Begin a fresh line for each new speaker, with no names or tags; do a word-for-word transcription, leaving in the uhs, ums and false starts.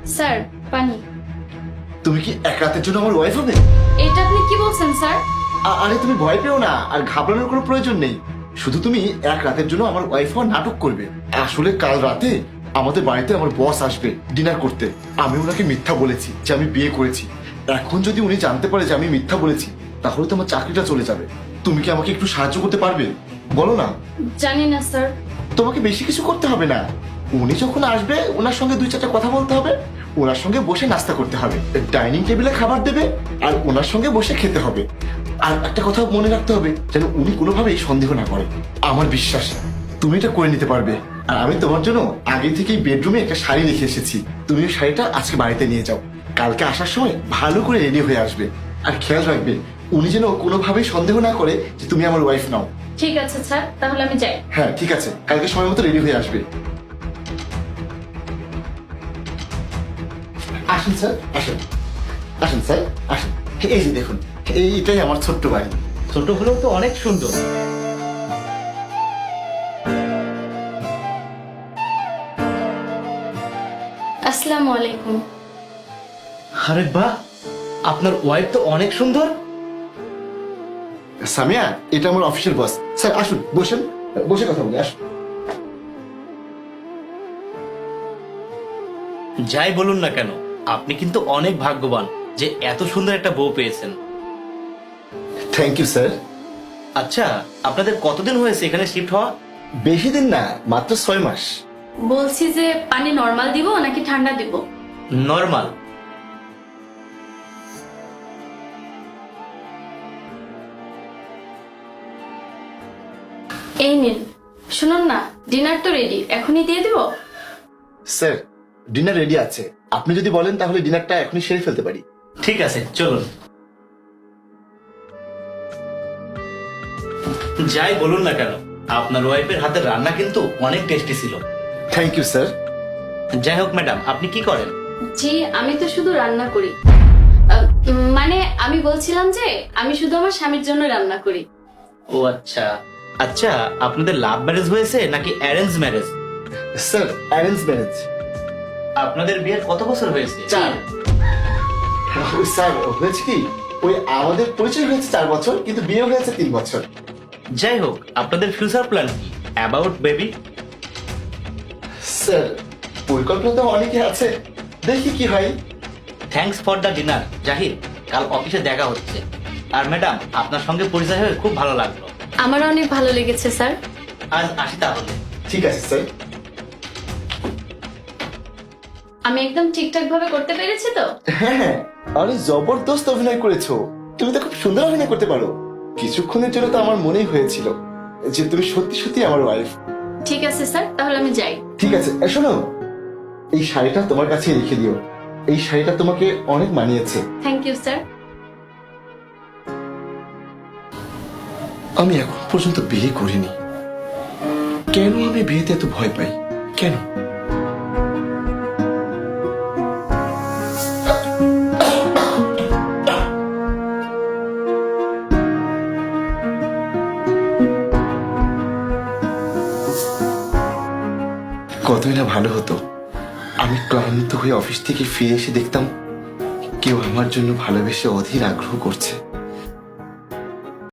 Sir পানি।
তুমি কি এক রাতের জন্য আমার ওয়াইফ হবে?
এটা আপনি কি বলছেন স্যার?
আ- আরে তুমি ভয় পেও না, আর ঘাবড়ানোর কোনো প্রয়োজন নেই। শুধু তুমি এক রাতের জন্য আমার ওয়াইফ হওয়ার নাটক করবে। আসলে কাল রাতে আমাদের বাড়িতে আমার বস আসবে ডিনার করতে। আমি ওনাকে মিথ্যা বলেছি যে আমি বিয়ে করেছি। এখন যদি উনি জানতে পারে যে আমি মিথ্যা বলেছি, তাহলে তো আমার চাকরিটা চলে যাবে। তুমি কি আমাকে একটু সাহায্য করতে পারবে? বলো না।
জানি না স্যার।
তোমাকে বেশি কিছু করতে হবে না। উনি যখন আসবে ওনার সঙ্গে দুই চারটা কথা বলতে হবে, ওনার সঙ্গে বসে নাস্তা করতে হবে, ডাইনিং টেবিলে খাবার দেবে আর ওনার সঙ্গে বসে খেতে হবে। আর একটা কথা মনে রাখতে হবে যেন উনি কোনোভাবেই সন্দেহ না করে। আমার বিশ্বাস তুমি এটা করে নিতে পারবে। আর আমি তোমার জন্য আগে থেকেই বেডরুমে একটা শাড়ি রেখে এসেছি। তুমি ওই শাড়িটা আজকে বাড়িতে নিয়ে যাও। কালকে আসার সময় ভালো করে রেডি হয়ে আসবে। আর খেয়াল রাখবে উনি যেন কোনোভাবেই সন্দেহ না করে যে তুমি আমার ওয়াইফ নাও।
ঠিক আছে স্যার, তাহলে আমি যাই।
হ্যাঁ ঠিক আছে, কালকে সময় মতো রেডি হয়ে আসবে। আসুন স্যার, আসুন আসুন স্যার, আসুন। এই যে দেখুন, এইটাই আমার ছোট্ট বাড়ি।
ছোট হলেও তো অনেক সুন্দর।
আসসালামু আলাইকুম।
আরে বাহ, আপনার ওয়াইফ তো অনেক সুন্দর।
সামিয়া, এটা আমার অফিসের বস। স্যার আসুন, বসেন, বসে কথা বলি, আসুন।
যাই বলুন না কেন, আপনি কিন্তু অনেক ভাগ্যবান যে এত সুন্দর একটা বউ পেয়েছেন।
Thank you sir.
আচ্ছা, আপনাদের কতদিন হয়েছে এখানে শিফট হওয়া?
বেশি দিন না, মাত্র ছয় মাস।
বলছি যে পানি নরমাল দিব নাকি ঠান্ডা দিব?
নর্মাল।
এই নিন। শুনুন না, ডিনার তো রেডি, এখনই দিয়ে দিব?
স্যার ডিনার রেডি আছে, আপনি যদি বলেন তাহলে ডিনারটা এখনই সেরে ফেলতে পারি।
ঠিক আছে, চলুন। যাই বলুন না কেন, আপনার ওয়াইফের হাতের রান্না কিন্তু অনেক টেস্টি ছিল।
Thank you sir.
যাই হোক ম্যাডাম, আপনি কি করেন?
জি, আমি তো শুধু রান্না করি। আহ, মানে আমি বলছিলাম যে আমি শুধু আমার স্বামীর জন্য রান্না করি।
ও আচ্ছা। আচ্ছা, আপনাদের লাভ ম্যারেজ হয়েছে নাকি arrange marriage?
Sir arrange marriage.
আপনাদের বিয়ের কত বছর হয়েছে?
চার। ওই স্যার হয়েছে কি, ওই আমাদের পরিচয় হয়েছে চার বছর, কিন্তু বিয়ে হয়েছে তিন বছর।
যাই হোক, আপনাদের ফিউচার প্ল্যান কি অ্যাবাউট বেবি?
স্যার পরিকল্পনা তো অনেকে আছে, দেখি কি হয়।
Thanks for the dinner Zahid, কাল অফিসে দেখা হচ্ছে। আর ম্যাডাম, আপনার সঙ্গে পরিচয় হয়ে খুব ভালো লাগলো।
আমার অনেক ভালো লেগেছে স্যার।
আজ আসি তাহলে।
ঠিক আছে স্যার।
আমি একদম ঠিকঠাক ভাবে করতে পেরেছি তো?
হ্যাঁ হ্যাঁ, অনেক জবরদস্ত অভিনয় করেছো। তুমি তো খুব সুন্দর অভিনয় করতে পারো। কিছুক্ষণের জন্য তো আমার মনেই হয়েছিল যে তুমি সত্যি সত্যি আমার ওয়াইফ।
ঠিক আছে স্যার, তাহলে আমি যাই।
ঠিক আছে, এ শোনো, এই শাড়িটা তোমার কাছে রেখে দিও। এই শাড়িটা তোমাকে অনেক মানিয়েছে।
Thank you sir.
আমি এখন পর্যন্ত বিয়ে করিনি, কেন আমি বিয়েতে এত ভয় পাই? কেন? কতই না ভালো হতো আমি ক্লান্ত হয়ে অফিস থেকে ফিরে এসে দেখতাম কেউ আমার জন্য ভালোবেসে অধীর আগ্রহ করছে।